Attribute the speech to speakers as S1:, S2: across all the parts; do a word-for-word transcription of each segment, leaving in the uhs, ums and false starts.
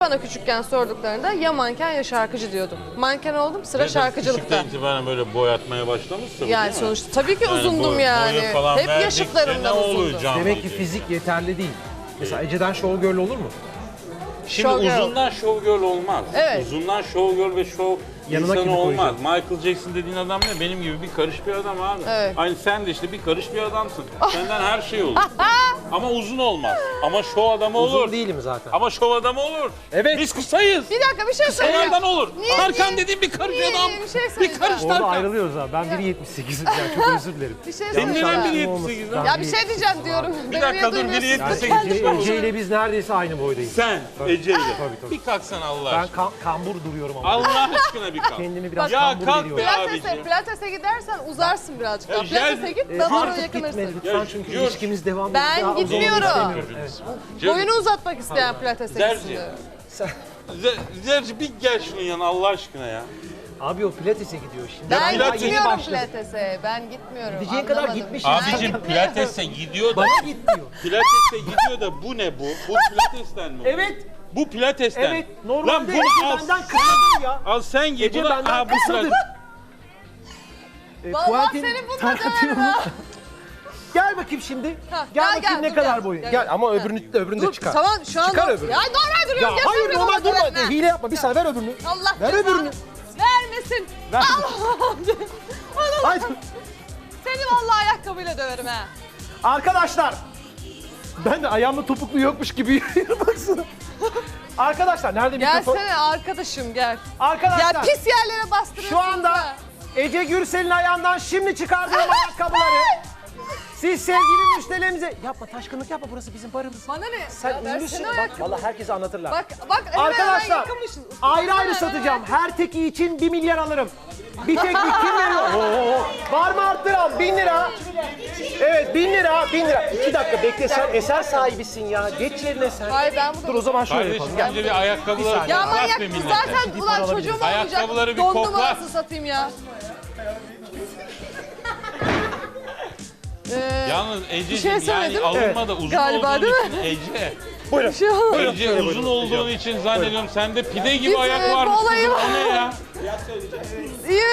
S1: Bana küçükken sorduklarında ya manken ya şarkıcı diyordum. Manken oldum, sıra şarkıcılıkta.
S2: Küçükten itibaren böyle boyatmaya başlamışsın.
S1: Yani sonuçta tabii ki
S2: yani
S1: uzundum
S2: boy,
S1: yani. Hep yaşıtlarımdan uzundum.
S3: Demek ki fizik yeterli değil. Mesela Ece'den show girl olur mu?
S2: Şimdi
S1: Show girl.
S2: uzundan show girl olmaz.
S1: Evet.
S2: Uzundan show girl ve show
S3: Yanına kimi
S2: insanı olmaz.
S3: koyacağım?
S2: Michael Jackson dediğin adam ne? Benim gibi bir karış bir adam abi.
S1: Evet.
S2: Aynı sen de işte bir karış bir adamsın. Senden her şey olur. Ama uzun olmaz. Ama show adamı olur.
S3: Uzun değilim zaten.
S2: Ama show adamı olur.
S3: Evet.
S2: Biz kısayız.
S1: Bir dakika bir şey söyleyeceğim.
S2: Kısalardan olur.
S1: Niye,
S2: Tarkan
S1: niye?
S2: dediğin bir karış
S1: Niye,
S2: adam.
S1: niye? Bir şey
S2: Bir
S1: söyleyeceğim.
S2: karış
S3: Orada
S2: Tarkan.
S3: ayrılıyoruz abi. Ben bir yetmiş sekizim yani çok özür dilerim.
S1: Bir şey
S2: Senin neden
S1: söyleyeceğim.
S2: biri yetmiş sekiz lan?
S1: Ya bir şey diyeceğim diyorum.
S2: Bir dakika dur, biri yetmiş sekiz.
S3: Ece, Ece ile biz neredeyse aynı boydayız.
S2: Sen Ece ile.
S3: Tabii, tabii.
S2: Bir kalksana Allah
S3: Ben
S2: aşkına.
S3: kam kambur duruyorum ama.
S2: Allah aşkına bir kalk.
S3: Kendimi biraz
S2: Ya
S3: kambur
S2: kalk
S3: veriyorum.
S2: be.
S1: Pilates'e,
S2: abicim.
S1: Pilates'e gidersen uzarsın birazcık daha.
S2: Ya gel-
S1: Pilates'e git,
S3: Ee,
S1: damara
S3: artık gitme
S1: yakınırsın.
S3: lütfen
S2: Ya,
S3: çünkü
S2: yürü.
S3: ilişkimiz devam
S1: Ben
S3: ediyor. Daha uzun
S1: gitmiyorum.
S3: istemiyorum. Evet.
S1: Boyunu uzatmak isteyen Pilates'e
S2: Zerci.
S1: gitsin diyor.
S2: Zer- Zerci bir gel şunun yanına Allah aşkına ya.
S3: Abi o pilatese gidiyor şimdi.
S1: Ben
S2: Pilates-
S3: Daha yeni
S1: gitmiyorum
S3: başladı.
S1: Pilates'e. Ben gitmiyorum.
S3: Gideceğin kadar
S1: Anlamadım.
S3: gitmiş.
S1: Ben
S2: Abicim
S1: gitmiyorum.
S2: pilatese gidiyor da
S3: Bana git diyor.
S2: pilatese gidiyor da bu ne bu? Bu pilatesten mi?
S3: Evet.
S2: Bu pilatesten.
S3: Evet. Normalde
S2: Lan
S3: Ece
S2: bunu al.
S3: benden kısadır ya.
S2: Al sen giy.
S3: Ece
S2: Bu da-
S3: benden
S2: Aa, bu
S3: kısadır.
S2: pilates.
S3: E,
S1: Vallahi
S3: Quentin
S1: seni bununla
S3: Tarantino.
S1: döverim ha.
S3: Gel bakayım şimdi.
S1: Ha,
S3: gel,
S1: gel,
S3: bakayım
S1: gel,
S3: ne
S1: dur,
S3: kadar
S1: gel.
S3: boyun.
S1: Gel,
S3: Gel,
S1: gel.
S3: ama öbürünü de öbürünü de
S1: Dur,
S3: çıkar.
S1: tamam şu an
S3: Çıkar
S1: dur.
S3: öbürünü.
S1: Ya normal duruyorum.
S3: Ya
S1: Gel
S3: hayır
S1: sen bir
S3: normal
S1: bana
S3: durma.
S1: döverim ha.
S3: Hile yapma. Bir saniye ver öbürünü.
S1: Allah
S3: Ver
S1: cezanı
S3: öbürünü.
S1: vermesin.
S3: Ver.
S1: Allah'ım.
S3: Haydi.
S1: Seni vallahi ayakkabıyla döverim ha.
S3: Arkadaşlar. Ben de ayağımda topuklu yokmuş gibi yürüyorum baksana. Arkadaşlar nerede mikrofon?
S1: Gelsene arkadaşım gel.
S3: Arkadaşlar.
S1: Ya pis yerlere bastırıyorsun.
S3: Şu anda Ece Gürsel'in ayağından şimdi çıkardığım ayakkabıları siz sevgili müşterilerimize... Yapma taşkınlık yapma, burası bizim barımız.
S1: Bana ne?
S3: Sen
S1: Ya versene
S3: ünlüsün. Bak
S1: ayakkabı.
S3: vallahi herkese anlatırlar.
S1: Bak bak hemen
S3: Arkadaşlar
S1: hemen yıkamışız.
S3: ayrı ayrı
S1: Hemen
S3: satacağım. Her teki için bir milyar alırım. Bir teknik kim veriyor? Oo, var mı arttıran? Bin lira. Evet bin lira, bin lira. İki dakika bekle, sen eser sahibisin ya. Geç yerine sen.
S1: Hayır ben burada...
S3: Dur o zaman şöyle
S2: Kardeşim
S3: yapalım. Gel.
S2: önce bir ayakkabıları
S3: saniye.
S1: Ya
S2: koklat
S1: manyak
S2: be millete.
S1: zaten ulan çocuğum olmayacak.
S2: Ayakkabıları bir
S1: Don
S2: koklat.
S1: numarası satayım ya. Ee,
S2: Yalnız
S1: Bir
S2: Ece'cim
S1: şey
S2: yani
S1: söyledim.
S2: alınma da uzun
S1: Galiba,
S2: olduğun
S1: değil
S2: için Ece.
S3: Buyurun.
S1: bir şey olmadı.
S2: Ece
S3: Buyurun,
S2: uzun
S3: buyurun.
S2: olduğun için zannediyorum sende pide gibi
S1: Biz,
S2: ayak
S1: e,
S2: varmış.
S1: bu olayı-
S2: kızım. O ne ya?
S1: İyi.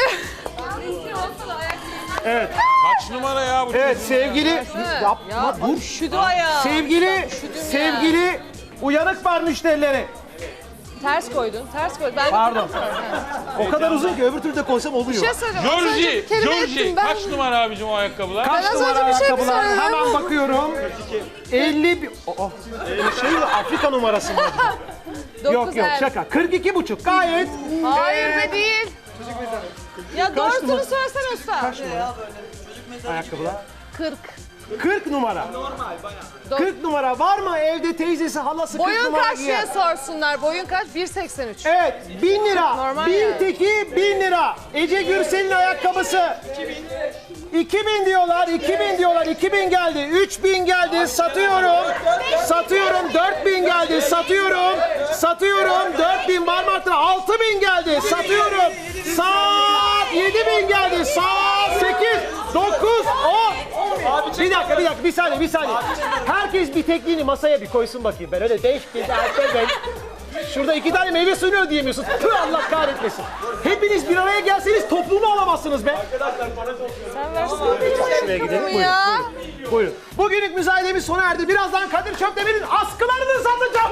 S3: Evet.
S2: Kaç numara ya bu
S3: Evet
S2: çocuğun ya?
S3: sevgili yapma
S1: Ya
S3: dur.
S1: üşüdü ayağı.
S3: Sevgili
S1: Üşüdüm ya.
S3: sevgili uyanık var müşterileri.
S1: Ters koydun, ters koydun. Ben
S3: Pardon. O kadar uzun ki öbür türlü de koysam oluyor.
S1: bir şey söyleyeceğim. Az önce
S2: Georgie,
S1: bir kelime
S2: Georgie
S1: ettim ben.
S2: kaç numara abicim o ayakkabılar?
S3: Kaç
S1: Ben az
S3: numara
S1: önce bir şey mi
S3: ayakkabılar?
S1: söyledim?
S3: Hemen bakıyorum. elli bir... Oh, şey mi? Afrika numarası mı?
S1: Dokuz
S3: Yok yok
S1: el.
S3: şaka. kırk iki buçuk gayet.
S1: Hayır
S3: Ee,
S1: be değil. Ya doğrusunu
S3: numara?
S1: söylesene usta.
S3: Ayakkabılar.
S1: kırk.
S3: kırk numara.
S1: Dok-
S3: kırk numara var mı evde teyzesi halası kırk
S1: Boyun
S3: numara
S1: kaç diye
S3: giyer?
S1: sorsunlar. Boyun kaç? bir seksen üç.
S3: Evet bin lira.
S1: Normal
S3: bin
S1: yani.
S3: teki bin lira. Ece Gürsel'in ayakkabısı. iki bin diyorlar, iki bin diyorlar, iki bin geldi, üç bin geldi, satıyorum, satıyorum, dört bin geldi, satıyorum, satıyorum, dört bin var mı artık, altı bin geldi, satıyorum, saat yedi bin geldi, saat sekiz, dokuz, on. Bir dakika, bir dakika, bir saniye, bir saniye. Herkes bir tekliğini masaya bir koysun bakayım, ben öyle beş bin, ben. Şurada iki tane meyve suyu ödeyemiyorsun. Tüh Allah kahretmesin. Hepiniz bir araya gelseniz toplumu alamazsınız be.
S1: Sen versene.
S3: Şuraya gidelim. Buyurun,
S1: Ya.
S3: buyurun, buyurun. Bugünlük müzayedemiz sona erdi. Birazdan Kadir Çöpdemir'in askılarını satacağım.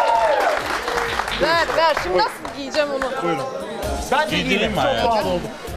S1: Ver ver. Şimdi nasıl giyeceğim onu?
S3: Ben de
S2: Giydireyim
S3: giyeyim.
S2: mi
S3: Çok
S2: hayatım?
S3: pahalı oldu.